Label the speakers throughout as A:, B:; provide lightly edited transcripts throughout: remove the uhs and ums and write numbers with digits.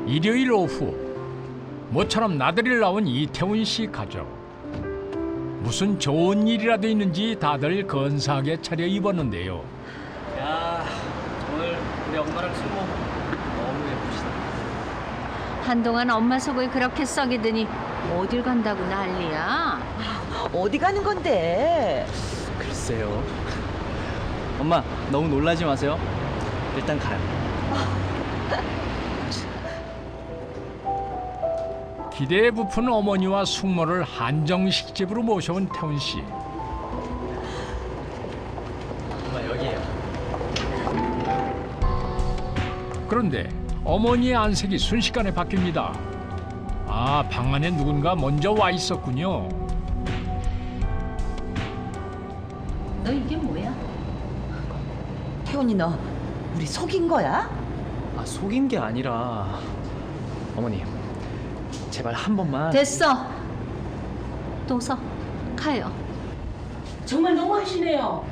A: 일요일 오후 모처럼 나들이를 나온 이태훈 씨 가족. 무슨 좋은 일이라도 있는지 다들 건사하게 차려입었는데요.
B: 야, 오늘 우리 엄마랑 숙모 너무 예쁘시다.
C: 한동안 엄마 속을 그렇게 썩이더니 어딜 간다고 난리야.
D: 어디 가는 건데?
B: 글쎄요. 엄마, 너무 놀라지 마세요. 일단 가요.
A: 기대에 부푼 어머니와 숙모를 한정식 집으로 모셔온 태훈 씨.
B: 엄마, 여기에요.
A: 그런데 어머니의 안색이 순식간에 바뀝니다. 아, 방 안에 누군가 먼저 와 있었군요.
C: 너 이게 뭐야?
D: 태훈이 너 우리 속인 거야?
B: 아, 속인 게 아니라 어머니, 제발 한 번만.
C: 됐어. 또 서. 가요.
E: 정말 너무하시네요.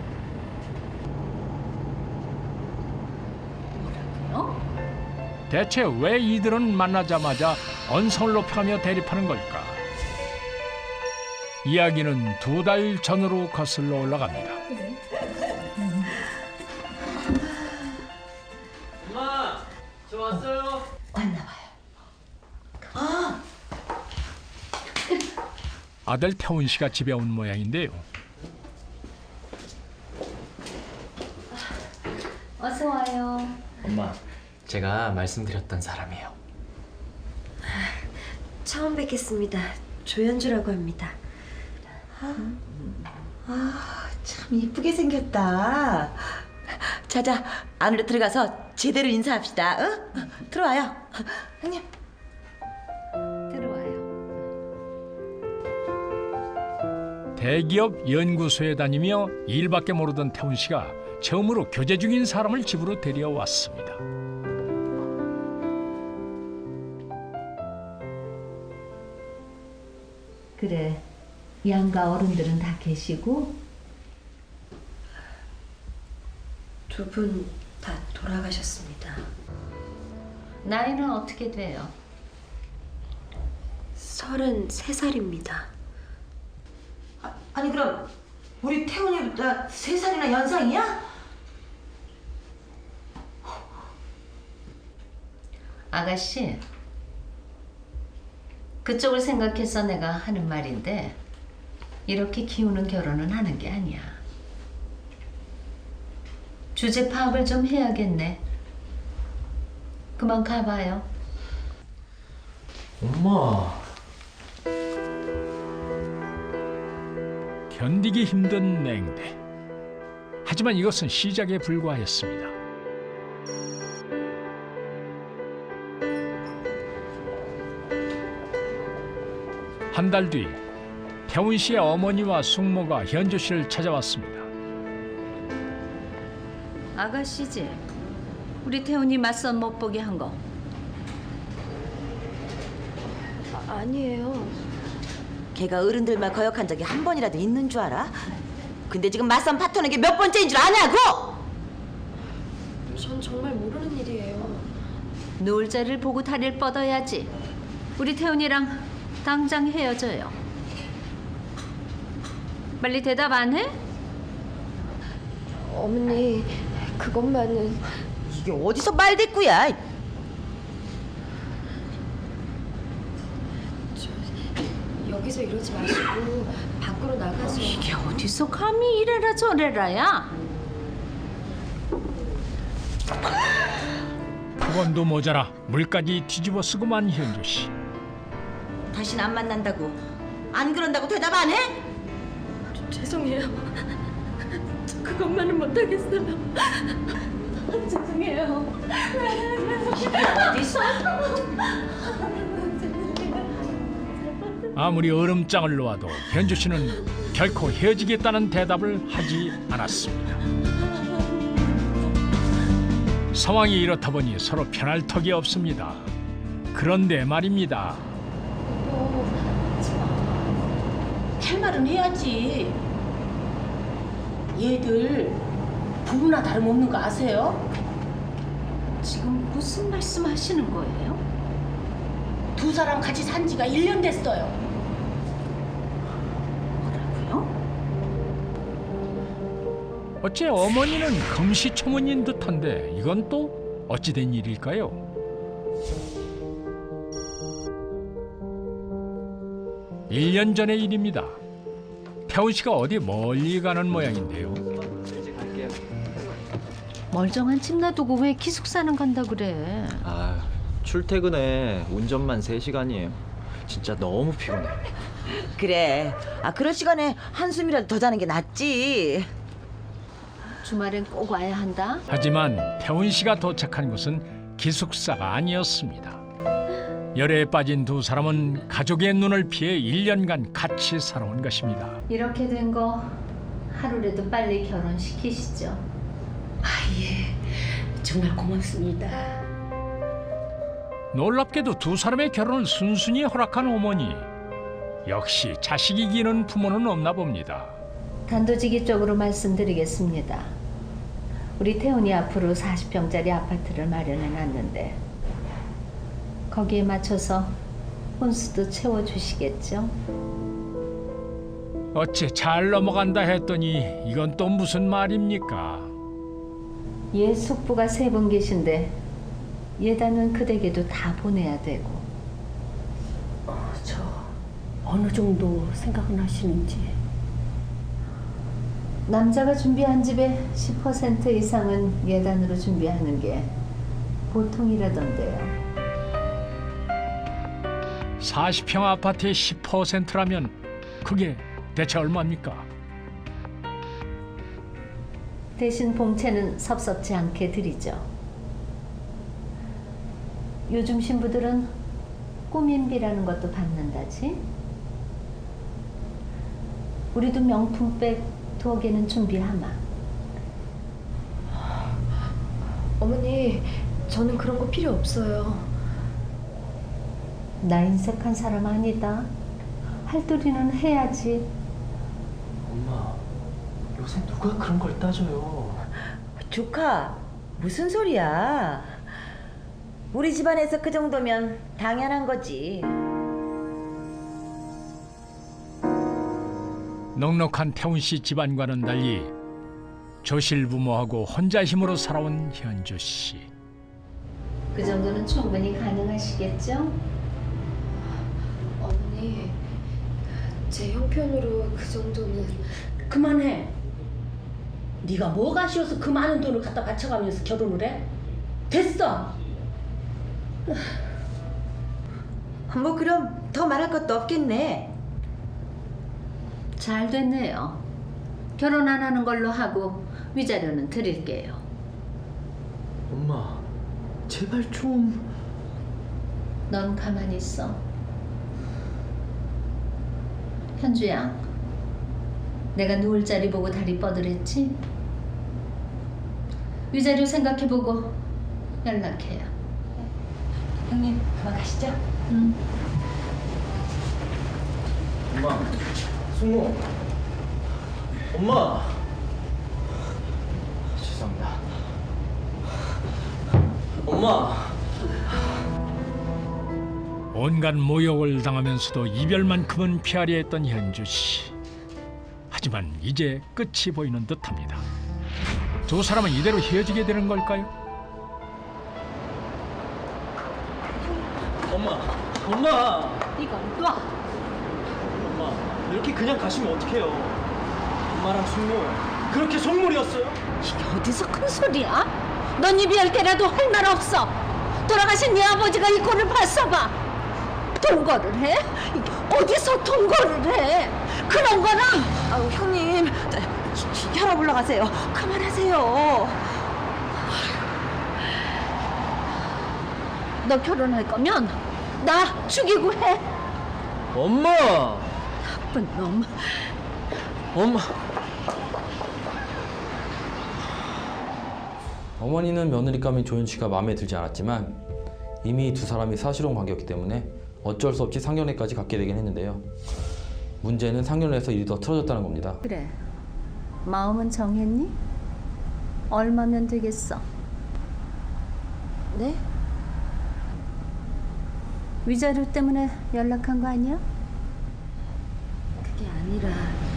C: 어?
A: 대체 왜 이들은 만나자마자 언성을 높여가며 대립하는 걸까? 이야기는 2달 전으로 거슬러 올라갑니다.
B: 엄마, 저 왔어요.
D: 왔나 봐요.
A: 아들 태훈 씨가 집에 온 모양인데요.
C: 어서 와요.
B: 엄마, 제가 말씀드렸던 사람이에요.
F: 처음 뵙겠습니다. 조연주라고 합니다.
D: 참 이쁘게 생겼다. 자자, 안으로 들어가서 제대로 인사합시다. 응? 들어와요. 형님.
C: 들어와요.
A: 대기업 연구소에 다니며 일밖에 모르던 태훈 씨가 처음으로 교제 중인 사람을 집으로 데려왔습니다.
C: 그래. 양가 어른들은 다 계시고?
F: 두 분 다 돌아가셨습니다.
C: 나이는 어떻게 돼요?
F: 33살입니다.
D: 아니 그럼 우리 태훈이보다 3살이나 연상이야?
C: 아가씨, 그쪽을 생각해서 내가 하는 말인데 이렇게 기우는 결혼은 하는 게 아니야. 주제 파악을 좀 해야겠네. 그만 가봐요.
B: 엄마.
A: 견디기 힘든 냉대. 하지만 이것은 시작에 불과했습니다. 한 달 뒤 태훈 씨의 어머니와 숙모가 현주 씨를 찾아왔습니다.
C: 아가씨지? 우리 태훈이 맞선 못 보게 한 거.
F: 아니에요.
D: 걔가 어른들만 거역한 적이 한 번이라도 있는 줄 알아? 근데 지금 맞선 파토는 게 몇 번째인 줄 아냐고?
F: 전 정말 모르는 일이에요.
C: 놀 자리를 보고 다리를 뻗어야지. 우리 태훈이랑 당장 헤어져요. 빨리 대답 안 해?
F: 어머니, 그것만은
D: 이게 어디서 말대꾸야?
F: 여기서 이러지 마시고 밖으로 나가서.
C: 이게 어디서 감히 이래라 저래라야?
A: 폭언도 모자라 물까지 뒤집어 쓰고만 현주 씨.
D: 다신 안 만난다고. 안 그런다고 대답 안 해?
F: 죄송해요. 저 그것만은 못하겠어요. 죄송해요.
D: 어디서?
A: 아무리 얼음장을 놓아도 현주 씨는 결코 헤어지겠다는 대답을 하지 않았습니다. 상황이 이렇다 보니 서로 편할 턱이 없습니다. 그런데 말입니다.
E: 할 말은 해야지. 얘들 부부나 다름없는 거 아세요?
C: 지금 무슨 말씀하시는 거예요?
E: 두 사람 같이 산 지가 1년 됐어요.
A: 어째 어머니는 금시초문인 듯한데 이건 또 어찌된 일일까요? 일 년 전의 일입니다. 태훈 씨가 어디 멀리 가는 모양인데요.
C: 멀쩡한 집 놔두고 왜 기숙사는 간다 그래?
B: 아, 출퇴근에 운전만 3시간이에요. 진짜 너무 피곤해.
D: 그래. 그럴 시간에 한숨이라도 더 자는 게 낫지.
C: 주말엔 꼭 와야 한다.
A: 하지만 태훈 씨가 도착한 곳은 기숙사가 아니었습니다. 열애에 빠진 두 사람은 가족의 눈을 피해 1년간 같이 살아온 것입니다.
C: 이렇게 된 거 하루라도 빨리 결혼시키시죠.
E: 예. 정말 고맙습니다.
A: 놀랍게도 두 사람의 결혼을 순순히 허락한 어머니. 역시 자식 이기는 부모는 없나 봅니다.
C: 단도직입적으로 말씀드리겠습니다. 우리 태훈이 앞으로 40평짜리 아파트를 마련해 놨는데 거기에 맞춰서 혼수도 채워주시겠죠?
A: 어째 잘 넘어간다 했더니 이건 또 무슨 말입니까?
C: 얘 숙부가 3분 계신데 예단은 그댁에도 다 보내야 되고.
E: 저 어느 정도 생각은 하시는지.
C: 남자가 준비한 집의 10% 이상은 예단으로 준비하는 게 보통이라던데요.
A: 40평 아파트의 10%라면 그게 대체 얼마입니까?
C: 대신 봉채는 섭섭지 않게 드리죠. 요즘 신부들은 꾸민비라는 것도 받는다지? 우리도 명품백 2개는 준비하마.
F: 어머니, 저는 그런 거 필요 없어요.
C: 나 인색한 사람 아니다. 할도리는 해야지.
B: 엄마, 요새 누가 그런 걸 따져요?
D: 조카, 무슨 소리야? 우리 집안에서 그 정도면 당연한 거지.
A: 넉넉한 태훈 씨 집안과는 달리 조실부모하고 혼자 힘으로 살아온 현주 씨.
C: 그 정도는 충분히 가능하시겠죠?
F: 어머니, 제 형편으로 그 정도는...
E: 그만해. 네가 뭐가 아쉬워서 그 많은 돈을 갖다 바쳐가면서 결혼을 해? 됐어.
D: 뭐 그럼 더 말할 것도 없겠네.
C: 잘 됐네요. 결혼 안 하는 걸로 하고 위자료는 드릴게요.
B: 엄마, 제발 좀...
C: 넌 가만히 있어. 현주야, 내가 누울 자리 보고 다리 뻗으랬지? 위자료 생각해보고 연락해요.
D: 형님, 그만 가시죠.
C: 응.
B: 엄마, 승우. 엄마. 죄송합니다. 엄마.
A: 온갖 모욕을 당하면서도 이별만큼은 피하려 했던 현주 씨. 하지만 이제 끝이 보이는 듯합니다. 두 사람은 이대로 헤어지게 되는 걸까요?
B: 엄마. 엄마.
C: 이건 놔.
B: 엄마, 이렇게 그냥 가시면 어떡해요? 엄마랑 승우 그렇게 속물이었어요?
C: 이게 어디서 큰 소리야? 넌 입이 10개라도 할 말 없어. 돌아가신 네 아버지가 이 꼴을 봤어봐. 동거를 해? 이게 어디서 동거를 해? 그런 거랑
D: 아우, 형님, 혈압 올라가세요. 그만하세요.
C: 너 결혼할 거면 나 죽이고 해.
B: 엄마.
C: 나쁜 놈.
B: 엄마.
G: 어머니는 며느리감인 조윤 씨가 마음에 들지 않았지만 이미 두 사람이 사실혼 관계였기 때문에 어쩔 수 없이 상견례까지 갖게 되긴 했는데요. 문제는 상견례에서 일이 더 틀어졌다는 겁니다.
C: 그래. 마음은 정했니? 얼마면 되겠어?
D: 네?
C: 위자료 때문에 연락한 거 아니야?
D: 그게 아니라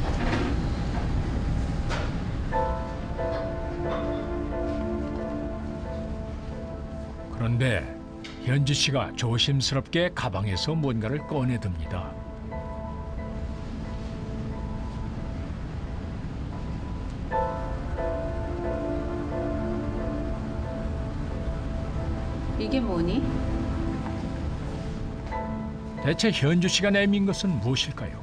A: 그런데 현주 씨가 조심스럽게 가방에서 뭔가를 꺼내듭니다.
C: 이게 뭐니?
A: 대체 현주 씨가 내민 것은 무엇일까요?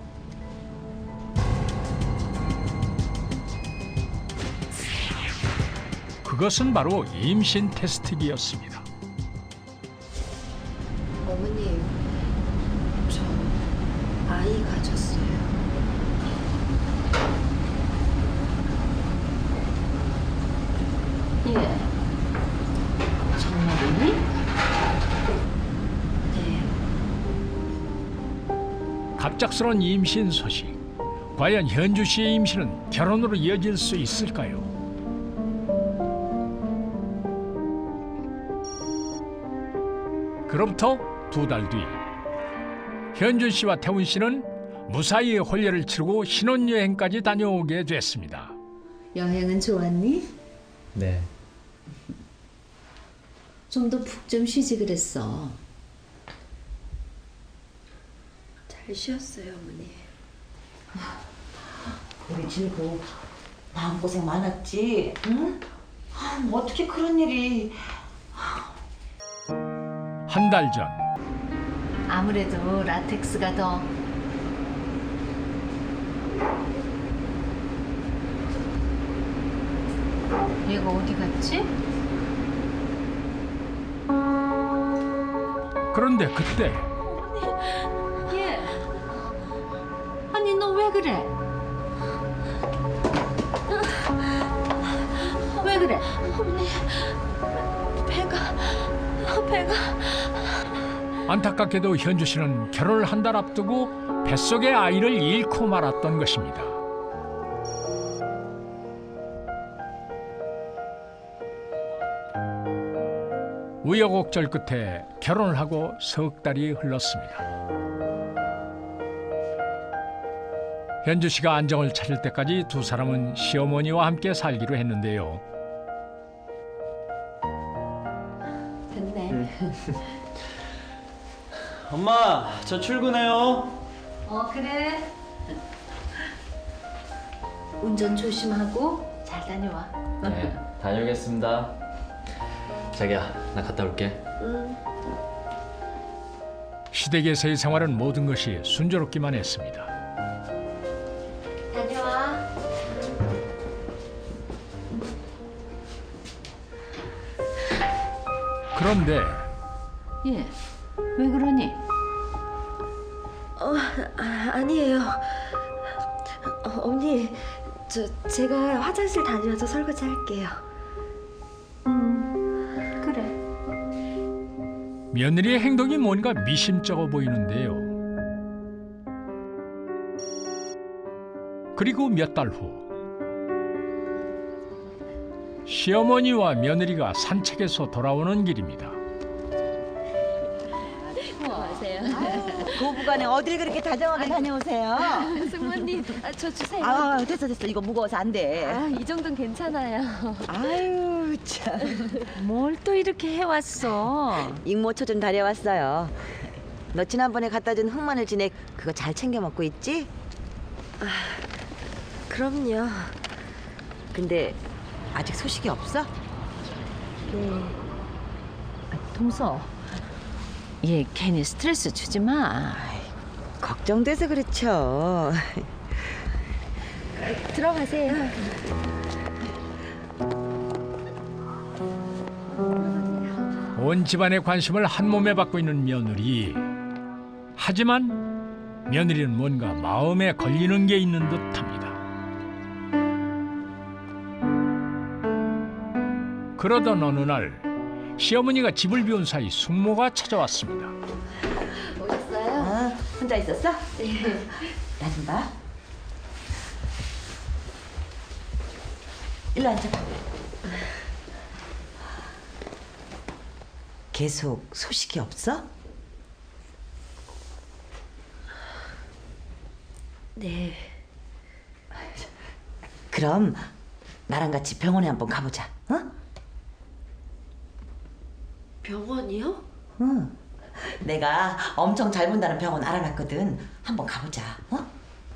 A: 그것은 바로 임신 테스트기였습니다.
F: 어머님, 저 아이 가졌어요.
C: 예. 정말이니?
F: 네.
A: 갑작스러운 임신 소식. 과연 현주 씨의 임신은 결혼으로 이어질 수 있을까요? 그로부터 2달 뒤, 현준 씨와 태훈 씨는 무사히 혼례를 치르고 신혼여행까지 다녀오게 됐습니다.
C: 여행은 좋았니?
B: 네.
C: 좀 더 푹 좀 쉬지 그랬어.
F: 잘 쉬었어요, 어머니.
D: 우리 진구 마음고생 많았지? 응? 뭐 어떻게 그런 일이.
A: 한 달 전,
C: 아무래도 라텍스가 더 얘가 어디 갔지?
A: 그런데 그때
C: 얘 아니 너 왜 그래? 왜 그래?
F: 배가
A: 안타깝게도 현주 씨는 결혼을 한 달 앞두고 뱃속의 아이를 잃고 말았던 것입니다. 우여곡절 끝에 결혼을 하고 석 달이 흘렀습니다. 현주 씨가 안정을 찾을 때까지 두 사람은 시어머니와 함께 살기로 했는데요.
C: 됐네.
H: 엄마, 저 출근해요.
C: 그래. 운전 조심하고 잘 다녀와.
B: 네, 다녀오겠습니다. 자기야, 나 갔다 올게.
A: 시댁에서의 생활은 모든 것이 순조롭기만 했습니다.
C: 다녀와.
A: 그런데
C: 얘 왜 그러니?
F: 아니에요. 언니, 제가 화장실 다녀와서 설거지 할게요.
C: 그래.
A: 며느리의 행동이 뭔가 미심쩍어 보이는데요. 그리고 몇 달 후, 시어머니와 며느리가 산책에서 돌아오는 길입니다.
D: 고부간에 어딜 그렇게 다정하게 다녀오세요?
F: 승모님, 저 주세요.
D: 아, 됐어. 이거 무거워서 안 돼.
F: 이 정도는 괜찮아요.
D: 아유, 참.
C: 뭘 또 이렇게 해왔어?
D: 익모초 좀 다려왔어요. 너 지난번에 갖다 준 흑마늘 진액 그거 잘 챙겨 먹고 있지?
F: 그럼요.
D: 근데 아직 소식이 없어?
C: 동서, 얘 괜히 스트레스 주지 마.
D: 걱정돼서 그렇죠.
F: 들어가세요.
A: 온 집안의 관심을 한 몸에 받고 있는 며느리. 하지만 며느리는 뭔가 마음에 걸리는 게 있는 듯합니다. 그러던 어느 날 시어머니가 집을 비운 사이 숙모가 찾아왔습니다.
F: 오셨어요?
D: 혼자 있었어?
F: 네.
D: 나 좀 봐. 일로 앉아. 계속 소식이 없어?
C: 네.
D: 그럼 나랑 같이 병원에 한번 가보자. 어?
C: 병원이요?
D: 응. 내가 엄청 잘 본다는 병원 알아놨거든. 한번 가보자. 어?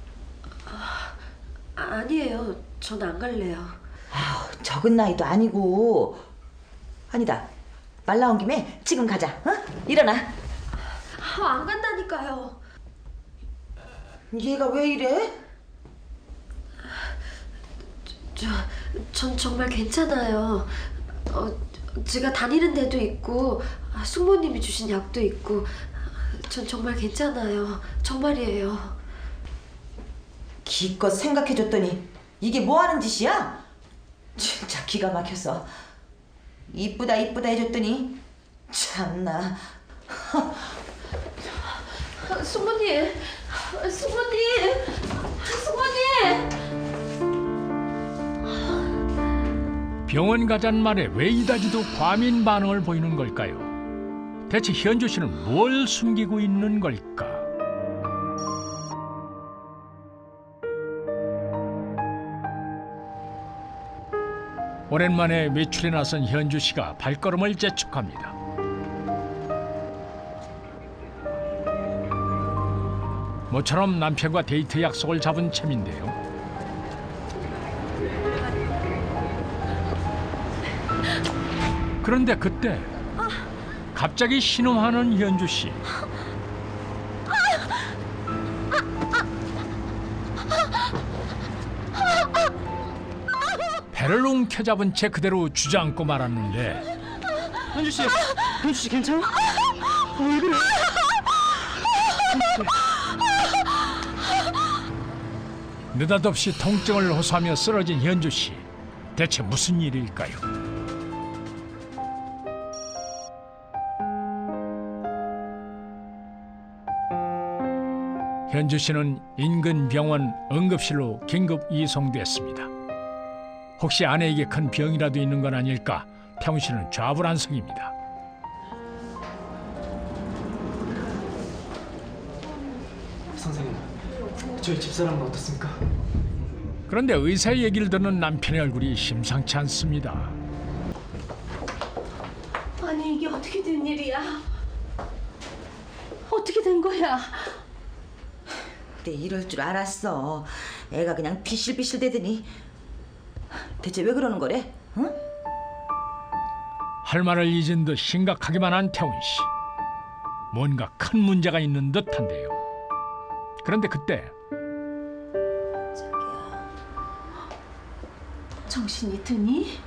C: 아니에요. 전 안 갈래요.
D: 아우, 적은 나이도 아니고. 아니다. 말 나온 김에 지금 가자. 어? 일어나.
C: 안 간다니까요.
D: 얘가 왜 이래?
C: 전 정말 괜찮아요. 제가 다니는 데도 있고 숙모님이 주신 약도 있고 전 정말 괜찮아요. 정말이에요.
D: 기껏 생각해줬더니 이게 뭐 하는 짓이야? 진짜 기가 막혔어. 이쁘다 이쁘다 해줬더니 참나.
C: 숙모님!
A: 병원 가자는 말에 왜 이다지도 과민 반응을 보이는 걸까요? 대체 현주 씨는 뭘 숨기고 있는 걸까? 오랜만에 외출에 나선 현주 씨가 발걸음을 재촉합니다. 모처럼 남편과 데이트 약속을 잡은 셈인데요. 그런데 그때 갑자기 신음하는 현주 씨. 배를 움켜잡은 채 그대로 주저앉고 말았는데
B: 현주 씨 괜찮아? 왜 그래?
A: 느닷없이 통증을 호소하며 쓰러진 현주 씨. 대체 무슨 일일까요? 현주 씨는 인근 병원 응급실로 긴급 이송됐습니다. 혹시 아내에게 큰 병이라도 있는 건 아닐까? 태훈 씨는 좌불안석입니다.
B: 선생님, 저희 집사람은 어떻습니까?
A: 그런데 의사의 얘기를 듣는 남편의 얼굴이 심상치 않습니다.
C: 아니 이게 어떻게 된 일이야? 어떻게 된 거야?
D: 내 이럴 줄 알았어. 애가 그냥 비실비실 대더니. 대체 왜 그러는 거래? 응?
A: 할 말을 잊은 듯 심각하기만 한 태훈 씨. 뭔가 큰 문제가 있는 듯한데요. 그런데 그때
C: 정신이 드니?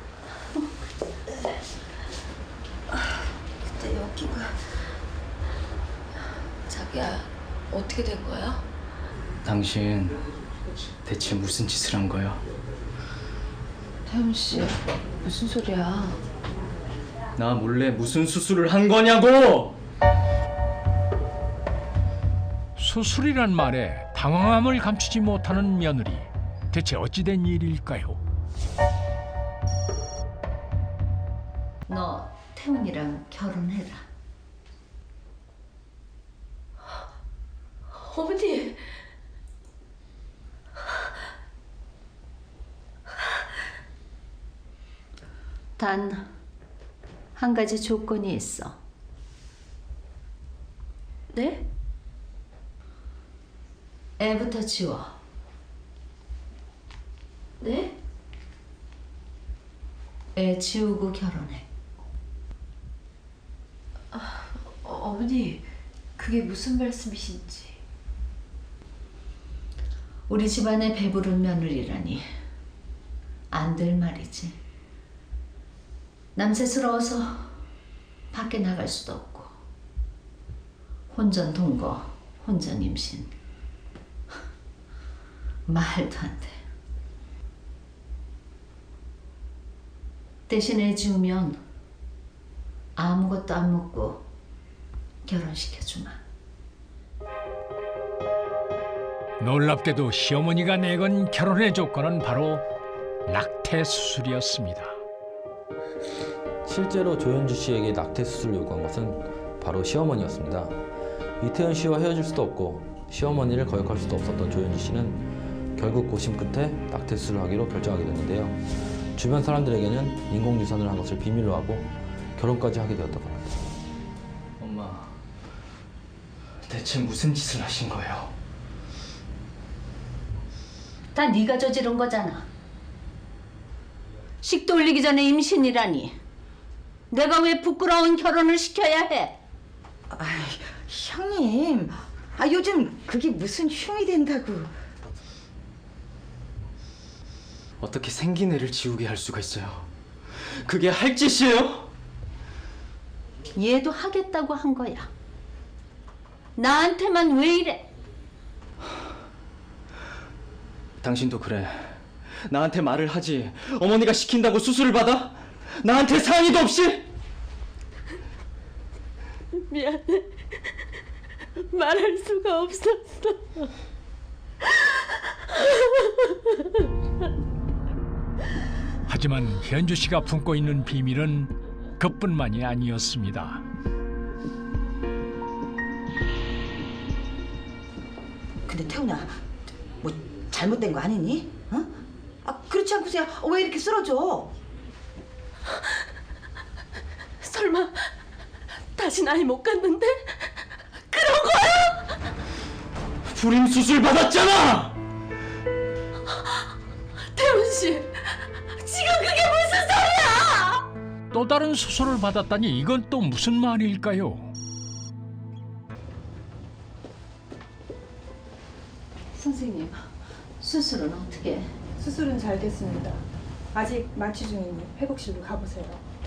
F: 그때 여기가 자기야 어떻게 된 거야?
B: 당신 대체 무슨 짓을 한 거야?
F: 태훈 씨 무슨 소리야?
B: 나 몰래 무슨 수술을 한 거냐고!
A: 수술이란 말에 당황함을 감추지 못하는 며느리. 대체 어찌된 일일까요?
C: 너 태훈이랑 결혼해라.
F: 어머니
C: 단 한 가지 조건이 있어.
F: 네?
C: 애부터 지워.
F: 네?
C: 애 지우고 결혼해.
F: 어머니 그게 무슨 말씀이신지.
C: 우리 집안에 배부른 며느리라니 안 될 말이지. 남세스러워서 밖에 나갈 수도 없고 혼전 동거, 혼전 임신. 말도 안 돼. 대신 애 지우면 아무것도 안 묻고 결혼시켜주마.
A: 놀랍게도 시어머니가 내건 결혼의 조건은 바로 낙태 수술이었습니다.
G: 실제로 조현주 씨에게 낙태 수술을 요구한 것은 바로 시어머니였습니다. 이태현 씨와 헤어질 수도 없고 시어머니를 거역할 수도 없었던 조현주 씨는 결국 고심 끝에 낙태 수술을 하기로 결정하게 됐는데요. 주변 사람들에게는 인공유산을 한 것을 비밀로 하고 결혼까지 하게 되었다고 합니다.
B: 엄마, 대체 무슨 짓을 하신 거예요?
C: 다 네가 저지른 거잖아. 식도 올리기 전에 임신이라니. 내가 왜 부끄러운 결혼을 시켜야 해?
D: 아이, 형님. 요즘 그게 무슨 흉이 된다고.
B: 어떻게 생긴 애를 지우게 할 수가 있어요? 그게 할 짓이에요?
C: 얘도 하겠다고 한 거야. 나한테만 왜 이래?
B: 당신도 그래. 나한테 말을 하지. 어머니가 시킨다고 수술을 받아? 나한테 상의도 없이?
E: 미안해. 말할 수가 없었어.
A: 하지만 현주 씨가 품고 있는 비밀은 그뿐만이 아니었습니다.
D: 근데 태훈아, 뭐 잘못된 거 아니니? 어? 그렇지 않고서야 왜 이렇게 쓰러져?
E: 설마 다시 아이 못 갖는데? 그런 거야?
B: 불임 수술 받았잖아!
E: 태훈 씨, 지금 그게 무슨 소리야?
A: 또 다른 수술을 받았다니 이건 또 무슨 말일까요?
C: 선생님, 수술은 어떻게?
I: 수술은 잘 됐습니다. 아직 마취 중이니 회복실로 가보세요.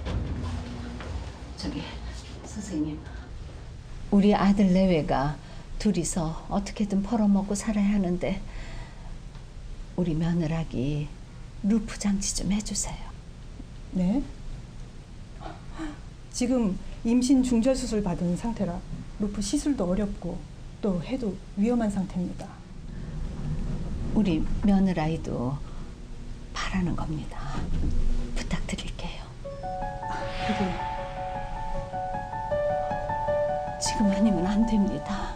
C: 저기 선생님, 우리 아들 내외가 둘이서 어떻게든 벌어먹고 살아야 하는데 우리 며느라기 루프 장치 좀 해주세요.
I: 네? 지금 임신 중절 수술 받은 상태라 루프 시술도 어렵고 또 해도 위험한 상태입니다.
C: 우리 며느라이도 바라는 겁니다. 부탁드릴게요.
I: 그게
C: 지금 아니면 안 됩니다.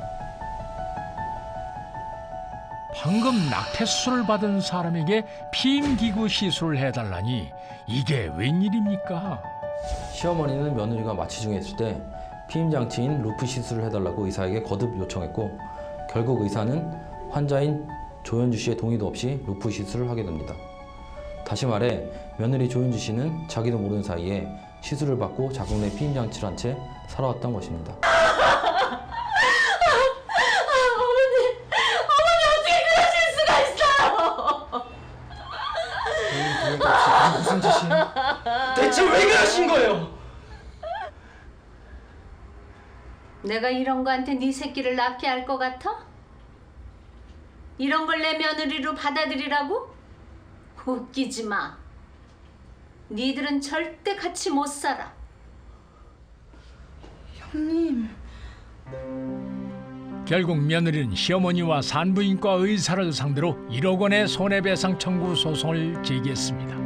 A: 방금 낙태 수술을 받은 사람에게 피임기구 시술을 해달라니 이게 웬일입니까?
G: 시어머니는 며느리가 마취 중에 있을 때 피임장치인 루프 시술을 해달라고 의사에게 거듭 요청했고 결국 의사는 환자인 조현주 씨의 동의도 없이 루프 시술을 하게 됩니다. 다시 말해 며느리 조현주 씨는 자기도 모르는 사이에 시술을 받고 자궁 내 피임장치를 한 채 살아왔던 것입니다.
B: 무슨 짓이야? 대체 왜 그러신 거예요?
C: 내가 이런 거한테 네 새끼를 낳게 할 것 같아? 이런 걸 내 며느리로 받아들이라고? 웃기지 마. 니들은 절대 같이 못 살아.
D: 형님.
A: 결국 며느리는 시어머니와 산부인과 의사를 상대로 1억 원의 손해배상 청구 소송을 제기했습니다.